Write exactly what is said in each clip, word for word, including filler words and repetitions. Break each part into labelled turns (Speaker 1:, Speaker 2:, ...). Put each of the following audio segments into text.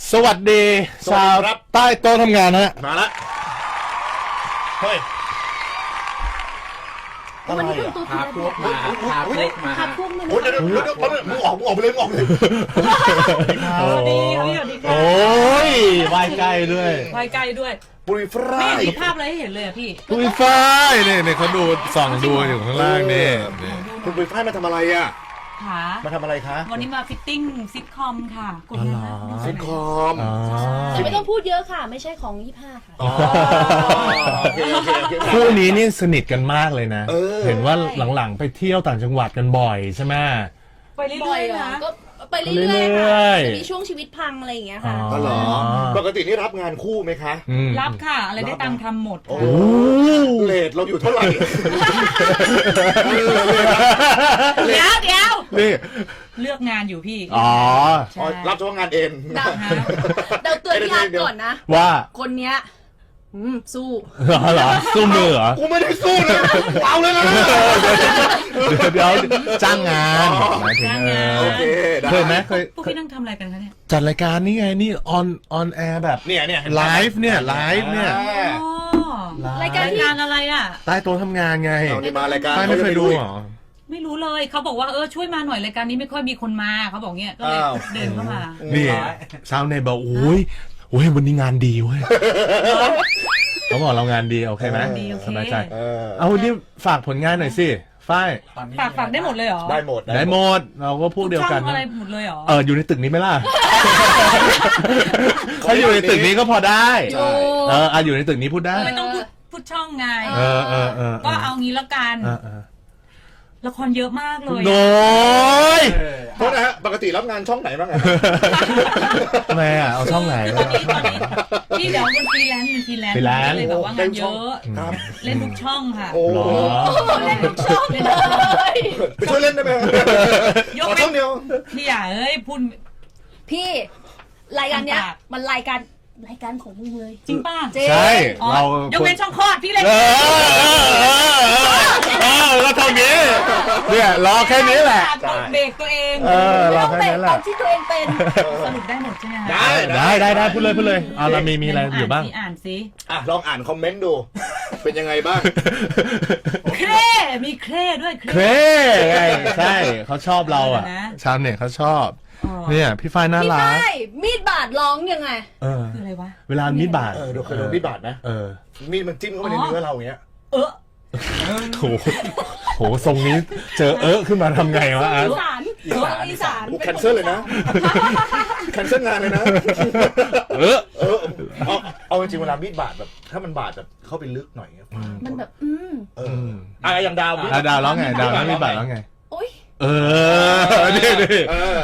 Speaker 1: สวัสดีชาวใต้โต๊ะทำงานฮะ
Speaker 2: มาละเฮ้ย
Speaker 3: วันนี้เป็นตัวพาพวกมาพาพวกมาพาพวกมาโอ้ยเดี๋ยวเดี๋ยวเดี๋ยวมึงออกมึงออกไปเลยมึงออกไปเลย
Speaker 4: สวัสดีสวัสดีค่ะ
Speaker 1: โอ้ยไหวใกล้ด้วย
Speaker 4: ไหวใกล้ด้วย
Speaker 2: ปุยฝ้าย
Speaker 4: ไม่มีภาพอะไรให้เห็นเลยอ่ะพี่
Speaker 1: ปุยฝ้ายเนี่ยเนี่ยเขาดูส่องดูอยู่ข้างล่างนี่
Speaker 2: คุณปุยฝ้ายมาทำอะไรอ่ะ
Speaker 4: ค่ะ
Speaker 2: มาทำอะไรคะ
Speaker 4: วันนี้มาฟิตติ้งซิทคอมค่ะกดเลยนะ
Speaker 2: ซิทคอม
Speaker 3: แต่ไม่ต้องพูดเยอะค่ะไม่ใช่ของยี่ห้าค่ะ
Speaker 1: คู่นี้นี่สนิทกันมากเลยนะเห็นว่าหลังๆไปเที่ยวต่างจังหวัดกันบ่อยใช่ไหม
Speaker 4: ไปเรื่อยๆนะ
Speaker 3: ก็ไปเรื่อยๆค่ะจะมีช่วงชีวิตพังอะไรอย่างเงี้ยค่ะ
Speaker 2: อ๋อเหรอปกตินี่รับงานคู่ไหมคะ
Speaker 4: รับค่ะอะไรได้ตังค์ทำหมด
Speaker 2: โอ้เลทเราอยู่เท่าไหร่
Speaker 4: เดี๋ยวเดี๋ยว
Speaker 1: นี่
Speaker 4: เลือกงานอยู่พี่
Speaker 1: อ๋อ
Speaker 2: รับเฉพาะงานเอง
Speaker 3: เดาเตือนพี่อาร์ตก่อนนะ
Speaker 1: ว่า
Speaker 3: คนเนี้ยสู้
Speaker 1: เหรอสู้มือเหรอ
Speaker 2: กูไม่ได้สู้เลยเอาเลยนะ
Speaker 1: เดี๋ยวจ้างงานหมายถึง
Speaker 2: โอเค
Speaker 1: เคยไหมเคย
Speaker 4: พวกพี่นั่งทำอะไรกันคะเนี่ย
Speaker 1: จัดรายการนี่ไงนี่ออนออนแอร์แบบ
Speaker 2: เนี่ยเนี่ย
Speaker 1: ไลฟ์เนี่ยไลฟ์เนี่ย
Speaker 3: รายการ
Speaker 4: อะไรอ่ะ
Speaker 1: ใต้โต๊ะทำงานไง
Speaker 2: นี่มารายการ
Speaker 1: ไม่เคยดูหรอ
Speaker 4: ไม่รู้เลยเขาบอกว่าเออช่วยมาหน่อยรายการนี้ไม่ค่อยมีคนมาเขาบอกเงี้ยก็เลยเดินเข้ามา
Speaker 1: นี่ชาวเน็ตบอกโอ้ยโอ้ยวันนี้งานดีเว้ยเขาบอกเรางานดีโอเคไหมสบายใจเอาดิฝากผลงานหน่อยสิฝ้าย
Speaker 4: ฝากฝากได้หมดเลยเหรอ
Speaker 2: ได้หมด
Speaker 1: ได้หมดเราก็พูดเดียวกัน
Speaker 4: อะไรหมดเลยเหรอ
Speaker 1: เอออยู่ในตึกนี้ไหมล่ะเขาอยู่ในตึกนี้ก็พอได้เอออยู่ในตึกนี้พูดได้
Speaker 4: ไม่ต้องพูดพูดช่องไง
Speaker 1: เออเออเออ
Speaker 4: ก็เอางี้แล้วกันละครเยอะมากเลย
Speaker 1: โน้ย
Speaker 2: โทษนะฮะปกติรับงานช่องไหนบ้างไง
Speaker 1: ทำไมอ่ะเอาช่องไหน
Speaker 4: พี่เดี๋ยวเป็นฟรีแลนซ์เป็นฟรีแลนซ์เลยแบบว่างานเยอะเล่นทุกช่องค่ะ
Speaker 2: โอ้
Speaker 3: เล่นทุกช่องเลย
Speaker 2: ไปช่วยเล่นได้ไหม
Speaker 4: ยก
Speaker 2: ช่องเดียว
Speaker 4: พี่อย่าเอ้ยพูด
Speaker 3: พี่รายการเนี้ยมันรายการรายการของมึงเลย
Speaker 4: จริงป่ะ
Speaker 1: ใช่เรา
Speaker 4: ยกเว้นช่องคลอดพี่เล่น
Speaker 1: เออแล้วเท่านี้เนี่ยรอแค่นี้แหละ
Speaker 4: เบรกตัวเอง
Speaker 1: เออรอแค่นี้แหละ
Speaker 3: ที่ตัวเองเป็น
Speaker 4: สรุปได้หมดใช่ไหม
Speaker 2: ได้
Speaker 1: ได้ได้ได้พูดเลยพูดเลยอ่าเรามีมีอะไรอยู่บ้าง
Speaker 4: อ่านสิ
Speaker 2: อ่ะลองอ่านคอมเมนต์ดูเป็นยังไงบ้าง
Speaker 4: เคร่มีเคร่ด้วย
Speaker 1: เคร่ใช่เขาชอบเราอ่ะชาวเน็ตเขาชอบเนี่ยพี่ฝ้ายน่ารัก
Speaker 3: พี่ฝ้ายมีดบาดร้องยังไง
Speaker 1: เออ
Speaker 4: คืออะไรวะ
Speaker 1: เวลามีดบาด
Speaker 2: เออเคยโดนมีดบาดไหม
Speaker 1: เออ
Speaker 2: มีดมันจิ้มเข้าไปในเนื้อเราอย่างเงี้ย
Speaker 4: เออ
Speaker 1: โหโหทรงนี้เจอเออขึ้นมาทำไงวะ
Speaker 3: อีสานอีสาน
Speaker 2: แคนเซิลเลยนะแคนเซิลงานเลยนะ
Speaker 1: เออ
Speaker 2: เออเอาเอาจริงเวลามีดบาดแบบถ้ามันบาดแบบเข้าไปลึกหน่อย
Speaker 3: มันแบบอืม
Speaker 2: เอออ่ะอย่างดาว
Speaker 1: ดาวร้องไงดาวร้องมีดบาดร้องไง
Speaker 3: โอ๊ย
Speaker 1: เออนี่นี่
Speaker 2: เออ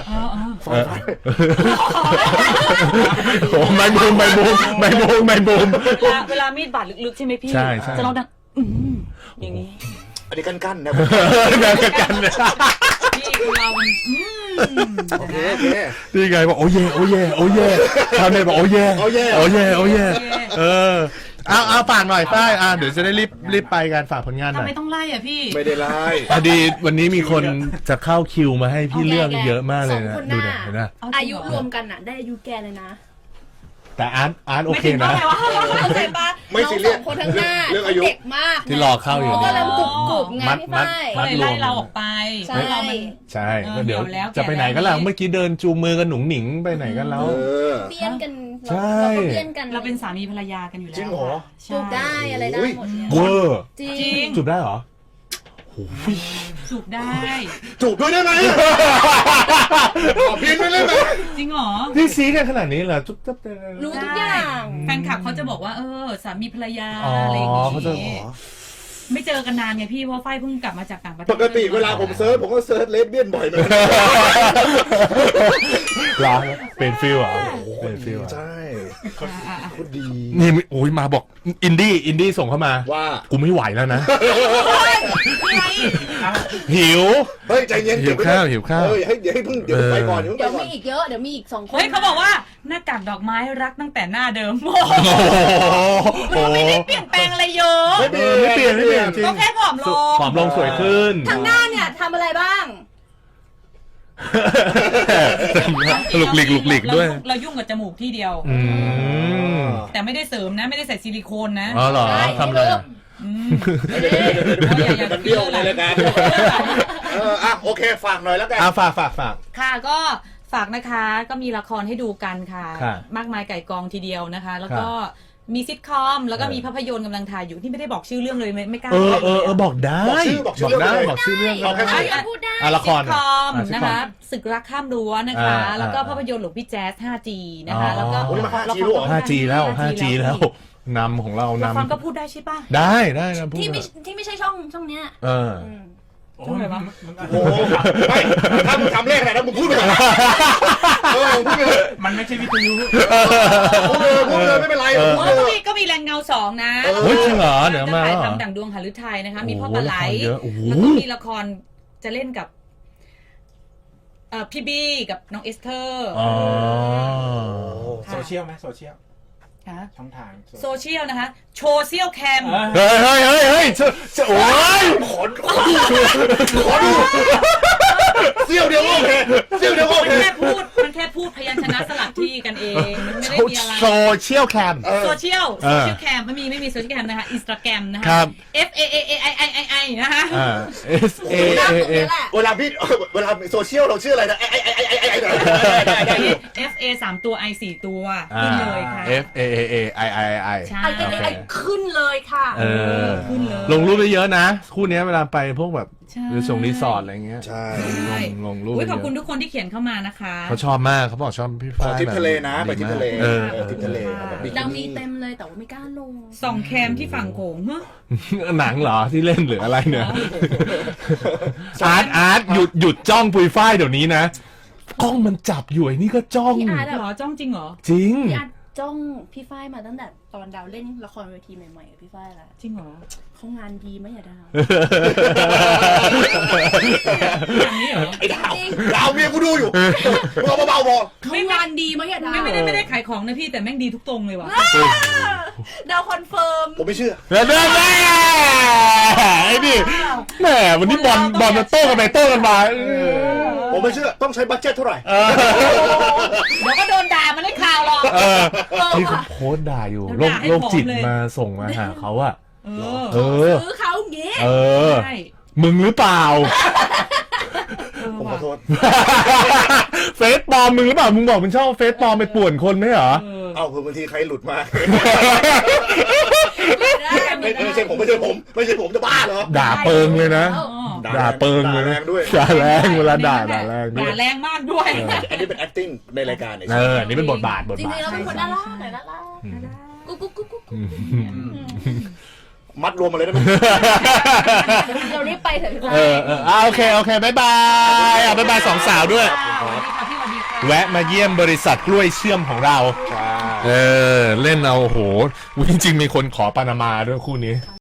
Speaker 1: โอ้ไม่บูมไม่บูมไม่บูมไม่บูม
Speaker 4: เวลาเวลามีดบาดลึกๆใช่ไหมพี่
Speaker 1: ใช่ใช่
Speaker 4: จะร้องดังอืมอย่างนี้
Speaker 2: อันนี้กั้นๆนะ
Speaker 1: กันกันเลย
Speaker 4: พี่เราอืม
Speaker 2: โอเคโอเค
Speaker 1: นี่ไงบอกโอ้เย่โอ้เย่โอ้เย่ชาวเน็ตบอกโอ้เย่
Speaker 2: โอ้เย่
Speaker 1: โอ้เย่โอ้เย่เออเอาเอาฝากหน่อยฝ้ายอ่ะเดี๋ยวจะได้รีบรีบไปกันฝากผลงานหน่อย
Speaker 4: ทำไมต้องไล่อ่ะพี่
Speaker 2: ไม่ได้ไล่
Speaker 1: พอดีวันนี้มีคนจะเข้าคิวมาให้พี่เลือกเยอะมากเลยนะดูหน่อยนะ
Speaker 3: อายุรวมกันอ่ะได้อายุแกเลยนะ
Speaker 1: แต่อาร์ตอาร์ตโอเคนะ
Speaker 3: เข้าใจปะ
Speaker 2: ไม่ซีเรียส
Speaker 3: คนทั้งหน้าเด็กมาก
Speaker 1: ที่รอเข้าอยู่
Speaker 3: ก็เริ่มกรุบกรุบไงพี่ฝ้าย
Speaker 4: ก็เลยไล่เราออกไป
Speaker 3: ใช่
Speaker 1: ใช่ก็เดี๋ยวจะไปไหนกันล่ะเมื่อกี้เดินจูงมือกันหนุ่งหนิงไปไหนกันแล้ว
Speaker 3: เปี้ยนกัน
Speaker 1: ใช่
Speaker 3: เปี้ยนกัน
Speaker 4: เราเป็นสามีภรรยากันอยู่แล้ว
Speaker 2: จริงเหรอ
Speaker 3: จูบได้อะไรได้หมด
Speaker 1: เวอร์
Speaker 3: จริง
Speaker 1: จูบได้เหรอ
Speaker 4: จูบได้
Speaker 2: จูบด้วยได้ไหมขอพิมพ์ด้วยได้ไหม
Speaker 4: จริงเหรอ
Speaker 1: พี่ซีกันขนาดนี้เหรอจุ๊บจุ๊บ
Speaker 3: รู้ทุกอย่าง
Speaker 4: แฟนคลับเขาจะบอกว่าเออสามีภรรยาอะไรอย่างงี้ไม่เจอกันนานไงพี่เพราะฝ้ายเพิ่งกลับมาจากต่างประเทศ
Speaker 2: ปกติเวลาผมเซิร์ชผมก็เซิร์ชเลสเบี้ยนบ่อยเหมือนกัน
Speaker 1: ร้านเป็นฟิลอ่ะเป็นฟิล
Speaker 2: ใช่คนดี
Speaker 1: นี่โอ้ยมาบอกอินดี้อินดี้ส่งเข้ามา
Speaker 2: ว่า
Speaker 1: กูไม่ไหวแล้วนะหิว
Speaker 2: เฮ้ยใจเย็น
Speaker 1: หิวข้าวหิวข้าว
Speaker 2: เฮ้ยให้เดี๋ยวให้เพิ่งเดี๋ยวไปก่อน
Speaker 3: เดี๋ยวมีอีกเยอะเดี๋ยวมีอีกสองคน
Speaker 4: เฮ้ยเขาบอกว่าหน้ากากดอกไม้รักตั้งแต่หน้าเดิมโอ้ไม่ได้เปลี่ยนแปลงอะไรเยอะ
Speaker 1: ไม่เปลี่ยนไม่เปลี่ยนไม่เปลี่ยนจริง
Speaker 4: ก็แค่ผอมลง
Speaker 1: ผอมลงสวยขึ้น
Speaker 3: ทางหน้าเนี่ยทำอะไรบ้าง
Speaker 1: หลุกหลิกหลุกหลิกด้วย
Speaker 4: เรายุ่งกับจมูกที่เดียว
Speaker 1: อืม
Speaker 4: แต่ไม่ได้เสริมนะ ไม่ได้ใส่ซิลิโคนนะ
Speaker 1: อ๋อเหรอทำอะไรอ่ะ
Speaker 4: อืม
Speaker 2: เดี๋ยวเดี๋ยวเดี๋ยวเดี๋ยวมันเบี้ยวในรายการเอออ่ะโอเคฝากหน่อยแล้วกัน
Speaker 1: อ่ะฝากฝากฝาก
Speaker 4: ค่ะก็ฝากนะคะก็มีละครให้ดูกันค่ะ
Speaker 1: ค่ะ
Speaker 4: มากมายไก่กองทีเดียวนะคะ แล้วก็
Speaker 1: ค่ะ
Speaker 4: มีซิทคอมแล้วก็
Speaker 1: เออ
Speaker 4: มีภาพยนตร์กำลังถ่ายอยู่ที่ไม่ได้บอกชื่อเรื่องเลยไม่ไม่กล้า
Speaker 1: เออ
Speaker 4: บอก
Speaker 1: เออเออบอกได้
Speaker 2: บอกชื่อบอกชื่อ
Speaker 1: ได้
Speaker 2: เรื่องเลย
Speaker 1: บอกชื่อเรื่อง
Speaker 2: เอาแค่
Speaker 1: ได้
Speaker 2: ชื่อ
Speaker 5: พูดได้
Speaker 1: อ่ะละคร
Speaker 4: ซิทคอม
Speaker 1: อ่ะซิท
Speaker 4: นะ
Speaker 1: คอม
Speaker 4: คะศึกรักข้ามรั้วนะคะ
Speaker 1: อ่า
Speaker 4: แล้วก็
Speaker 1: อ่า
Speaker 4: ภาพยนตร์หลวงพี่แจ๊ส ห้าจี นะคะ
Speaker 1: อ๋อ
Speaker 4: แล้วก็
Speaker 2: โอ้ยมา 5G
Speaker 4: ละคร
Speaker 2: แล้วเหรอ
Speaker 1: ห้าจีแล้ว
Speaker 4: ห้า
Speaker 1: ห้า
Speaker 4: จี
Speaker 1: จีแล้วนำของเรา
Speaker 4: ละคร
Speaker 1: นำ
Speaker 4: ก็พูดได้ใช่ปะ
Speaker 1: ได้ได้นะพูด
Speaker 5: ที่ไม่
Speaker 1: อะ
Speaker 5: ที่ไม่ใช่ช่องช่องเนี้ย
Speaker 1: เออ
Speaker 5: อืม
Speaker 4: ช่องไหนวะ
Speaker 2: โอ้โหไม่ถ้ามึงทำเลขอะไรนะมึงพูดไปเลยเออมึงพูดไปเลย
Speaker 3: มันไม่ใช่วิทยุ
Speaker 2: พูดเลยพูดเลยไม่เป็นไร
Speaker 1: เออ
Speaker 2: พูด
Speaker 4: อ๋อ
Speaker 2: เล
Speaker 4: ก็
Speaker 2: ย
Speaker 4: มีก็มีแรงเงาสองนะ
Speaker 2: เออ
Speaker 1: เฮ้ยจริงเหรอเดี๋ยวมา
Speaker 4: จะถ่าย
Speaker 1: เหรอ
Speaker 4: ทำดั่งดวงหฤทัยนะคะ มีพ่อ
Speaker 1: โอ้
Speaker 4: ปลาไหล
Speaker 1: ละครเยอะโอ้โห
Speaker 4: แล้วก็มีละครจะเล่นกับเอ่อพี่บี้กับน้องเอสเธอร์
Speaker 1: อ๋อ
Speaker 4: ค่ะ
Speaker 3: โซเชียลไหมโซเชียล
Speaker 4: ฮะ
Speaker 3: ช่องทาง
Speaker 4: โซเชียลนะคะ โชเชียลแคม
Speaker 1: เฮ้ยเฮ้ยเฮ้ยเฮ้ยจะจะโอ้ย
Speaker 2: ขนขนขนเสี้ยวเดียวก็โอเคเสี้ยวเดียวก็โอ
Speaker 4: มัน
Speaker 2: เค
Speaker 4: แค่พูด มันแค่พูดพยัญชนะสลับที่กันเอง มันไม่ได้มีอะไร
Speaker 1: โซเชียลแคม
Speaker 2: เออ
Speaker 4: โซเชียล
Speaker 1: เอ
Speaker 4: โซ
Speaker 1: อ
Speaker 4: เชียลแคมไม่มีไม่มีโซเชียลแคมนะคะอินสตาแกรมนะคะ
Speaker 1: ครับ
Speaker 4: F A A A I I I I นะคะ
Speaker 1: อ่า S A
Speaker 5: ตาม
Speaker 1: A
Speaker 5: ตรง
Speaker 1: A
Speaker 5: นี้แหละ
Speaker 2: เวลาพี่เวลาโซเชียลเราชื่ออะไรนะไอ้ไอ้ไอ้ไอ้ไอ้ไอ้ไอ้
Speaker 4: F A สามตัว I สี่ตัว
Speaker 1: อ่า
Speaker 4: ขึ้นเลยค่ะ
Speaker 1: F A A A I I I
Speaker 4: ใช่
Speaker 5: ไอ้ไอ้ไอ้ไอ้ขึ้นเลยค่ะ
Speaker 1: เออ
Speaker 4: ขึ้นเลย
Speaker 1: ลงรูปไปเยอะนะ คู่เนี้ยเวลาไปพวกแบบ
Speaker 4: ใช่
Speaker 1: หรือส่งรีสอร์ทอะไรเงี้ย
Speaker 2: ใช่
Speaker 4: ใช่
Speaker 1: ลงรูป
Speaker 4: อุ๊
Speaker 1: ไป
Speaker 4: ย
Speaker 1: เย
Speaker 4: ขอบคุณ
Speaker 1: อะ
Speaker 4: ทุกคนที่เขียนเข้ามานะคะ
Speaker 1: เขาชอบมากเขาบอกชอบพี่
Speaker 2: ขอ
Speaker 1: ฟ้าย
Speaker 2: ทริปทะเลนะ
Speaker 1: แบบ
Speaker 2: ไปทริปทะเล
Speaker 1: เออ
Speaker 2: เออทริปทะเลแบบบิกินี่
Speaker 5: ดังมีเต็มเลยแต่ว่าไม่กล้าลง
Speaker 4: ส่องแคมที่ฝั่งโขงเฮ้ย
Speaker 1: หนังเหรอที่เล่นหรืออะไรเนี่ยอาร์ตอาร์ตหยุดหยุดจ้องปุยฝ้ายเดี๋ยวนี้นะกล้องมันจับอยู่ไอ้นี่ก็จ้อง
Speaker 5: พี่อาร์ต
Speaker 4: เหรอจ้องจริงเหรอ
Speaker 1: จริง
Speaker 5: พี่อาร์ตจ้องพี่ฝ้ายมาตั้งแต่ตอนดาวเล่นละครเวทีใหม่ๆกับพี่ฝ้ายแล้ว
Speaker 4: จริงเหรอ
Speaker 5: เขางานดีไหมอย่าดาว
Speaker 4: อย่างนี้เหรอ
Speaker 2: ไอ้ดาวดาวเมียกูดูอยู่มึงเอาเบาๆพอ
Speaker 5: เขางานดีไหมอย่าดาว
Speaker 4: ไม่ไม่ได้ไม่ได้ขายของนะพี่แต่แม่งดีทุกตรงเลยว่ะ
Speaker 5: ดาวคอนเฟิร์ม
Speaker 2: ผมไม่เชื่อ
Speaker 1: แล้วเนี่ยแม่ไอ้นี่แหมวันนี้บอลบอลมันโต้กันไปโต้กันมาเออ
Speaker 2: ผมไม่เชื่อต้องใช้บัตเจ็ตเท่าไหร่
Speaker 1: เออ
Speaker 4: เดี๋ยวก็โดนด่ามันได้ข่าวหรอก
Speaker 1: เออที่เขาโพสต์ด่าอยู่โรค
Speaker 4: ด่าให้
Speaker 1: โรคจิต
Speaker 4: ผอมเลย
Speaker 1: มาส่งมาหาเขาอะ
Speaker 4: เออ
Speaker 1: เออ
Speaker 5: ซื้อเขาอย่างงี้
Speaker 1: เออ
Speaker 4: ใช่
Speaker 1: มึงหรือเปล่า
Speaker 4: เออ
Speaker 2: ผมข
Speaker 4: ว่ะ
Speaker 2: อโทษ
Speaker 1: เฟซปลอมมึงหรือเปล่า มึงบอกมึงชอบเฟซปลอมไปป่วนคนไหมเหรอ
Speaker 4: เออ
Speaker 2: เอ้าคือบางทีใครหลุดมา
Speaker 5: ได้
Speaker 2: ไม่ไม่ใช่ผมไม่ใช่ผม ไม่ใช่ผมจะบ้าเหรอ
Speaker 1: ด่าเปิงเลยนะ
Speaker 4: อ๋อ
Speaker 1: ด่าเปิงเลย
Speaker 2: ด่าแร
Speaker 1: นะ
Speaker 2: งด้วย
Speaker 1: ด่าแรงเวลาด่าด่าแรงด้ว
Speaker 4: ด่าย แรงมากด้วย
Speaker 2: อันนี้เป็น acting ในรายการเนี่ย
Speaker 1: เออ นี่เป็นบทบาทบท
Speaker 5: จริ
Speaker 1: บาท
Speaker 5: งๆเราเป็นคนน่ารักหน่อยน่ารักกุ๊กกุ๊กกุ๊กกุ๊ก
Speaker 2: มัดรวมมาเลยได้ไหม
Speaker 5: เรารีบไปเถอะพี่ฝ้า
Speaker 1: เออเอออ่ะโอเค โอเคบายบายอ่ะบายบายสองสาวด้วย
Speaker 4: สวัสดีค่ะพี่สวัสดีค่ะ
Speaker 1: แวะมาเยี่ยมบริษัทกล้วยเชื่อมของเรา
Speaker 2: ใช่
Speaker 1: เออ เล่นเอาโห จริงๆ มีคนขอปานามาด้วยคู่นี้